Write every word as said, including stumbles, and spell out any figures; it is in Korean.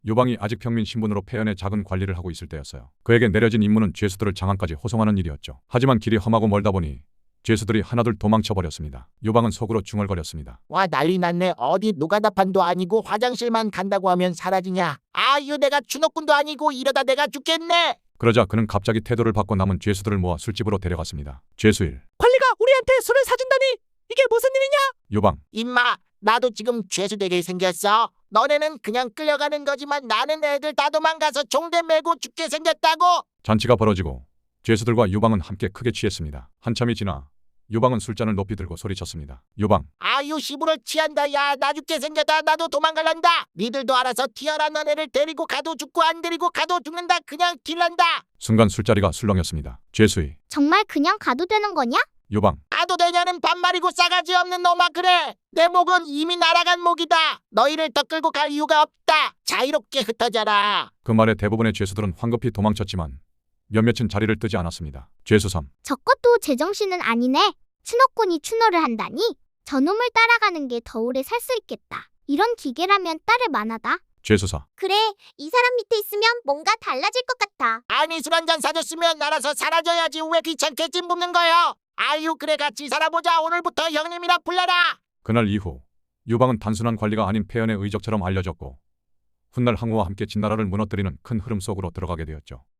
유방이 아직 평민 신분으로 폐연의 작은 관리를 하고 있을 때였어요. 그에게 내려진 임무는 죄수들을 장안까지 호송하는 일이었죠. 하지만 길이 험하고 멀다 보니 죄수들이 하나둘 도망쳐 버렸습니다. 유방은 속으로 중얼거렸습니다. 와, 난리 났네. 어디 노가다판도 아니고 화장실만 간다고 하면 사라지냐. 아유, 내가 추노꾼도 아니고 이러다 내가 죽겠네. 그러자 그는 갑자기 태도를 바꿔 남은 죄수들을 모아 술집으로 데려갔습니다. 죄수 일. 관리가 우리한테 술을 사준다니 이게 무슨 일이냐? 유방. 임마, 나도 지금 죄수 되게 생겼어. 너네는 그냥 끌려가는 거지만 나는 애들 다 도망가서 종대 메고 죽게 생겼다고. 잔치가 벌어지고 죄수들과 유방은 함께 크게 취했습니다. 한참이 지나 유방은 술잔을 높이 들고 소리쳤습니다. 유방. 아유, 시부를 취한다. 야, 나 죽게 생겼다. 나도 도망갈란다. 니들도 알아서 튀어라. 너네를 데리고 가도 죽고 안 데리고 가도 죽는다. 그냥 딜란다. 순간 술자리가 술렁였습니다. 죄수 이. 정말 그냥 가도 되는 거냐? 유방. 가도 되냐는 반말이고 싸가지 없는 놈아. 그래, 내 목은 이미 날아간 목이다. 너희를 더 끌고 갈 이유가 없다. 자유롭게 흩어져라. 그 말에 대부분의 죄수들은 황급히 도망쳤지만 몇몇은 자리를 뜨지 않았습니다. 죄수 삼. 저것도 제정신은 아니네. 추노꾼이 추노를 한다니? 저놈을 따라가는 게 더 오래 살 수 있겠다. 이런 기계라면 따를 만하다. 죄수 사. 그래, 이 사람 밑에 있으면 뭔가 달라질 것 같아. 아니, 술 한잔 사줬으면 알아서 사라져야지. 왜 귀찮게 찜 붓는 거요? 아유, 그래, 같이 살아보자. 오늘부터 형님이라 불러라. 그날 이후 유방은 단순한 관리가 아닌 폐연의 의적처럼 알려졌고 훗날 항우와 함께 진나라를 무너뜨리는 큰 흐름 속으로 들어가게 되었죠.